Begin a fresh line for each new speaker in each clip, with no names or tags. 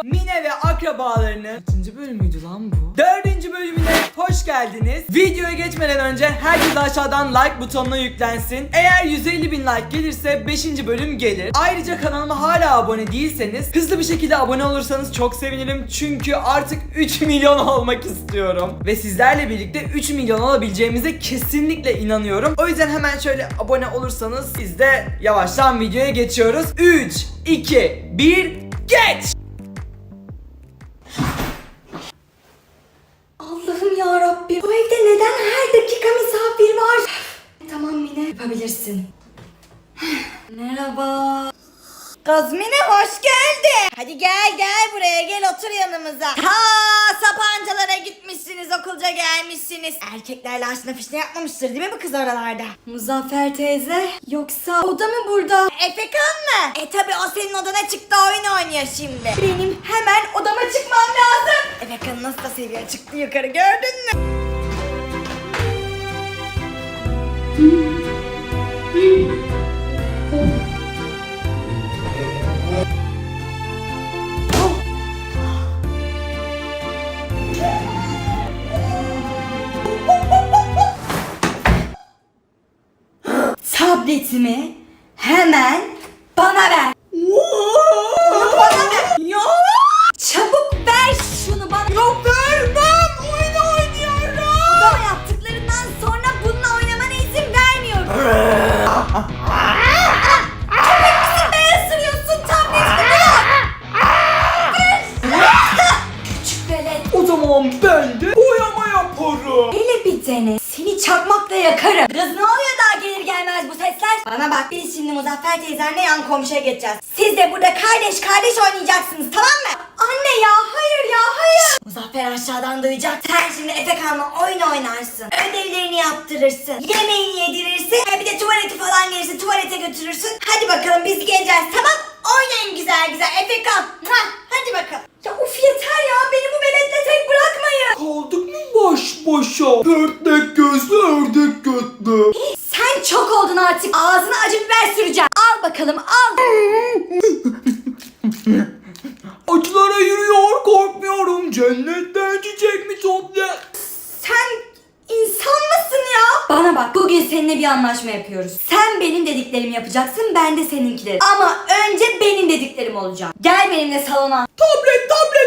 Mine ve akrabalarının kaçıncı bölümüydü lan bu? 4. bölümüne hoş geldiniz. Videoya geçmeden önce herkes aşağıdan like butonuna yüklensin. Eğer 150.000 like gelirse 5. bölüm gelir. Ayrıca kanalıma hala abone değilseniz hızlı bir şekilde abone olursanız çok sevinirim. Çünkü artık 3 milyon olmak istiyorum. Ve sizlerle birlikte 3 milyon olabileceğimize kesinlikle inanıyorum. O yüzden hemen şöyle abone olursanız biz de yavaştan videoya geçiyoruz. 3, 2, 1, geç!
Allah'ım ya Rabbim, bu evde neden her dakika misafir var? Tamam Mine, yapabilirsin. Merhaba.
Kız Mine hoş geldin. Hadi gel buraya gel otur yanımıza. Ha Sapancalara gitmişsiniz okulca gelmişsiniz. Erkeklerle aşna fişne yapmamıştır değil mi bu kız oralarda?
Muzaffer teyze, yoksa o da mı burada?
Efekan mı? Tabi o senin odana çıktı oyun oynuyor şimdi.
Benim hemen odama çıkmam lazım.
Efekan nasıl da seviyor çıktı yukarı gördün mü?
Tabletimi hemen bana ver.
Onu bana ver. Ya.
Çabuk ver şunu bana.
Yok vermem oyun oynuyorum.
Odama yaptıklarından sonra bununla oynamana izin vermiyorum. Köpek misin be, ısırıyorsun tabletimi bırak. Küçük velet.
O zaman ben de boyama yaparım.
Hele bir dene. Seni çakmakla yakarım. Kız ne oluyor daha gelir gelmez bu sesler?
Bana bak biz şimdi Muzaffer teyzenle yan komşuya geçeceğiz. Siz de burada kardeş oynayacaksınız tamam mı?
Anne ya, hayır ya, hayır.
Muzaffer aşağıdan duyacak. Sen şimdi Efekan'la oyun oynarsın. Ödevlerini yaptırırsın. Yemeğini yedirirsin. Bir de tuvaleti falan gelirse tuvalete götürürsün. Hadi bakalım biz geleceğiz tamam? Oynayın güzel Efekan. Hadi bakalım.
Ya of yeter ya, beni bu veletle tek bırakmayın.
Kaldık mı baş başa? Ördek gözlü ördek götlü.
Sen çok oldun artık. Ağzına acı biber süreceğim. Al bakalım al.
Acılara yürüyor korkmuyorum. Cennetten çiçek mi topla?
Sen insan mısın ya? Bana bak, bugün seninle bir anlaşma yapıyoruz. Sen benim dediklerimi yapacaksın, ben de seninkileri. Ama önce benim dediklerim olacak. Gel benimle salona.
Tablet.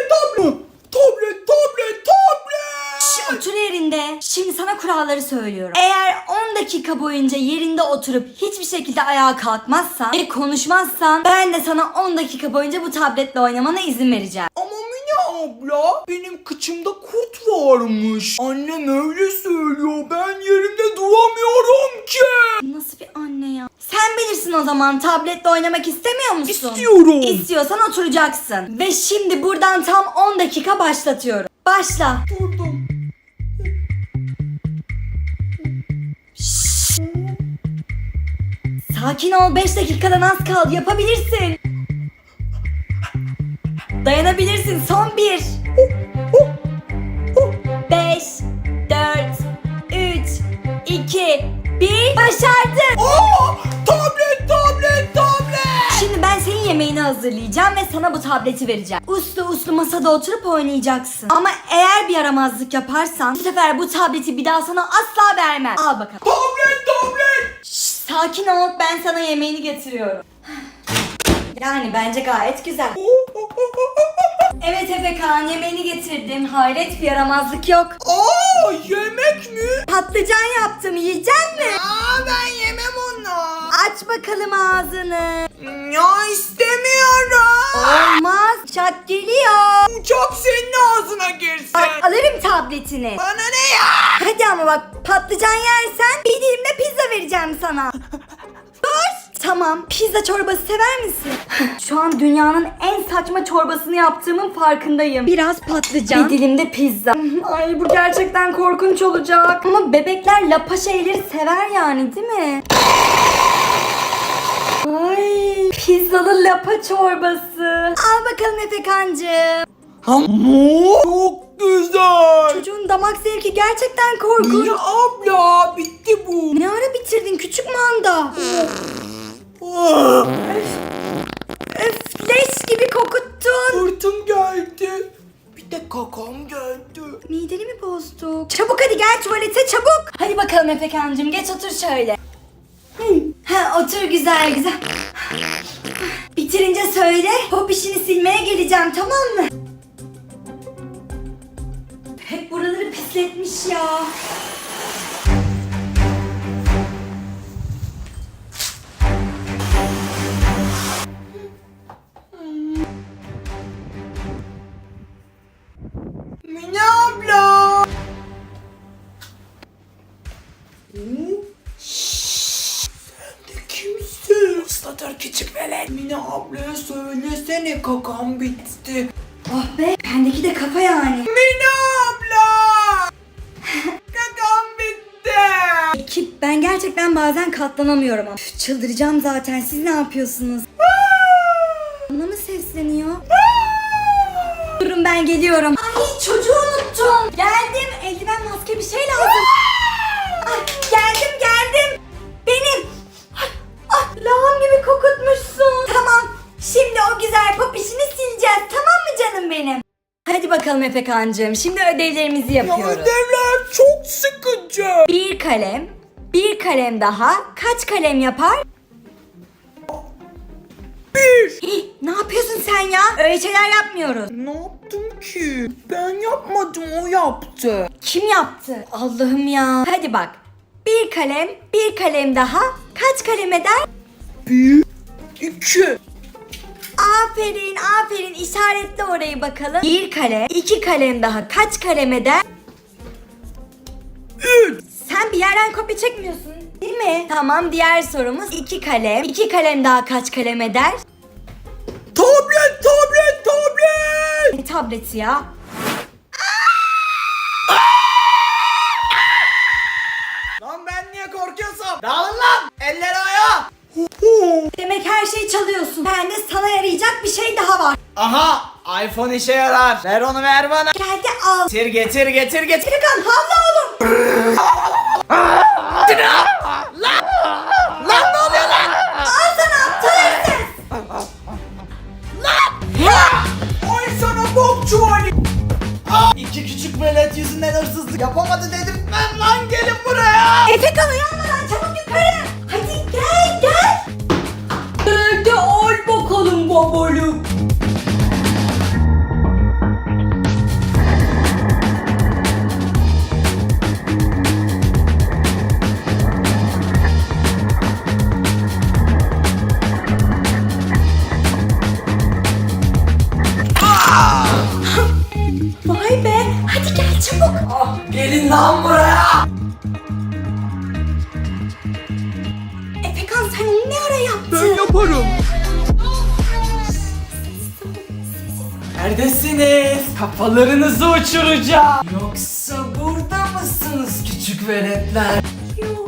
Şş, otur yerinde. Şimdi sana kuralları söylüyorum. Eğer 10 dakika boyunca yerinde oturup hiçbir şekilde ayağa kalkmazsan ve konuşmazsan, ben de sana 10 dakika boyunca bu tabletle oynamana izin vereceğim.
Ama Mine abla benim kıçımda kurt varmış. Annem öyle söylüyor. Ben yerimde duramıyorum ki.
Nasıl bir anne ya? Sen bilirsin o zaman, tabletle oynamak istemiyor musun?
İstiyorum.
İstiyorsan oturacaksın. Ve şimdi buradan tam 10 dakika başlatıyorum. Başla.
Durdum.
Sakin ol, 5 dakikadan az kaldı, yapabilirsin. Dayanabilirsin, son 1. 5, 4, 3, 2, 1. Başardın.
Tablet.
Şimdi ben senin yemeğini hazırlayacağım ve sana bu tableti vereceğim. Uslu masada oturup oynayacaksın. Ama eğer bir yaramazlık yaparsan bu sefer bu tableti bir daha sana asla vermem. Al bakalım.
Tablet.
Şşş, sakin ol, ben sana yemeğini getiriyorum. Yani bence gayet güzel. Evet Efekan, yemeğini getirdim. Hayret, bir yaramazlık yok.
Yemek mi?
Patlıcan yaptım, yiyecek mi?
Ben yemem onu.
Aç bakalım ağzını.
Ya istemiyorum.
Olmaz, uçak geliyor.
Uçak senin ağzına girsin.
Bak, alırım tabletini.
Bana ne ya?
Hadi ama bak, patlıcan yersen bir dilim de pizza vereceğim sana. Dur. Tamam, pizza çorbası sever misin? Şu an dünyanın en saçma çorbasını yaptığımın farkındayım. Biraz patlıcan, bir dilim de pizza. Ay, bu gerçekten korkunç olacak. Ama bebekler lapa şeyleri sever yani, değil mi? Ay, pizzalı lapa çorbası. Al bakalım Efekancığım.
Çok güzel.
Çocuğun damak zevki gerçekten korkunç.
Mine abla bitti bu.
Ne ara bitirdin küçük manda? Öf, leş gibi kokuttun.
Hortum geldi. Bir de kakam geldi.
Mideni mi bozduk? Çabuk hadi gel tuvalete çabuk. Hadi bakalım Efekancığım geç otur şöyle.
Ha otur güzel güzel. Bitirince söyle. Pop işini silmeye geleceğim tamam mı?
Hep buraları pisletmiş ya.
Mine abla. Sen de kimsin? Islatır küçük velet. Mine ablaya söylesene kakam bitti.
Oh be bendeki de kafa yani.
Mine abla. Kakam bitti.
Ekip ben gerçekten bazen katlanamıyorum ama. Üf, çıldıracağım zaten siz ne yapıyorsunuz? Bana mı sesleniyor? Durun ben geliyorum. Ay çocuğu unuttum. Geldim eldiven maske bir şey lazım. Ay, geldim. Benim. Lağım gibi kokutmuşsun.
Tamam. Şimdi o güzel pop işini sileceğiz tamam mı canım benim?
Hadi bakalım Efekancığım şimdi ödevlerimizi yapıyoruz.
Ödevler çok sıkıcı.
Bir kalem daha kaç kalem yapar?
1.
Ne yapıyorsun sen ya? Öyle şeyler yapmıyoruz.
Ne yaptım ki? Ben yapmadım, o yaptı.
Kim yaptı? Allah'ım ya. Hadi bak. Bir kalem daha kaç kalem eder?
1, 2.
Aferin işaretle orayı bakalım. İki kalem daha kaç kalem eder?
3.
Sen bir yerden kopya çekmiyorsun değil mi? Tamam diğer sorumuz iki kalem daha kaç kalem eder?
Tablet.
Ne tableti ya?
Lan ben niye korkuyorsam? Dağılın lan. Elleri ayağa.
Demek her şeyi çalıyorsun. Ben de sana yarayacak bir şey daha var.
Aha, iPhone işe yarar. Ver onu ver bana.
Geldi al.
Getir.
Efekan havla oğlum.
Lan ne oluyor lan?
Al sana aptal herif.
Ay sana bok çuvali. İki küçük velet yüzünden hırsızlık yapamadı dedirtmem lan, gelin buraya.
Efekan uyanmadan çabuk yukarı. Hadi gel. Nerede al bakalım babalım. Vay be. Hadi gel çabuk.
Gelin lan buraya.
Efekan sen onu ne ara yaptın?
Yaparım. Neredesiniz? Kafalarınızı uçuracağım. Yoksa burada mısınız küçük veletler?
Yok.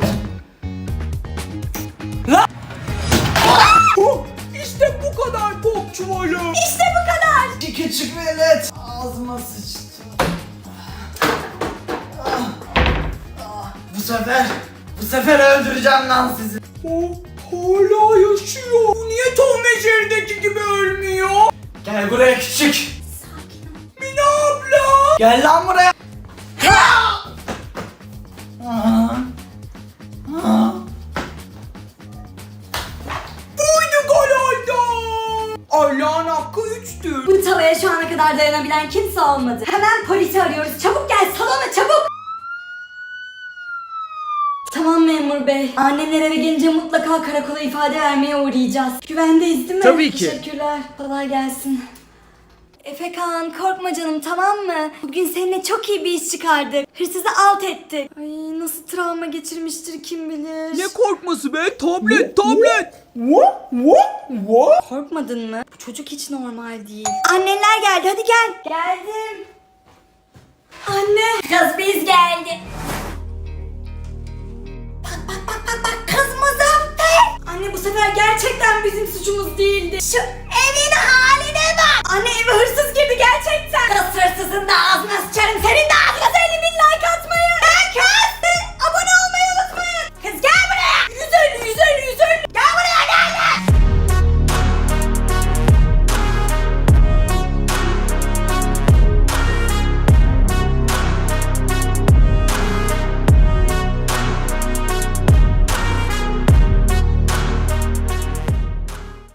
Lan! İşte bu kadar bok çuvalı.
İşte bu kadar.
İki küçük velet. Ağzıma sıçtı. Bu sefer öldüreceğim lan sizi. O hala yaşıyor. Bu niye Tom ve Jerry'deki gibi ölmüyor? Gel buraya küçük.
Sakin ol.
Mine abla. Gel lan buraya. Buydu gol oldu. Allah'ın hakkı 3'tür.
Bu tavaya şu ana kadar dayanabilen kimse olmadı. Hemen polisi arıyoruz. Çabuk gel salona çabuk. Tamam memur bey. Annemler eve gelince mutlaka karakola ifade vermeye uğrayacağız. Güvendeyiz değil mi?
Tabii ki.
Teşekkürler. Kolay gelsin. Efekan korkma canım tamam mı? Bugün seninle çok iyi bir iş çıkardık. Hırsızı alt ettik. Ay nasıl travma geçirmiştir kim bilir.
Ne korkması be? Tablet.
Korkmadın mı? Bu çocuk hiç normal değil. Anneler geldi hadi gel. Geldim. Anne.
Kız biz geldik. Bak kız Muzaffer.
Anne bu sefer gerçekten bizim suçumuz değildi.
Şu evin haline bak.
Anne eve hırsız girdi gerçekten.
Kız hırsızın da ağzına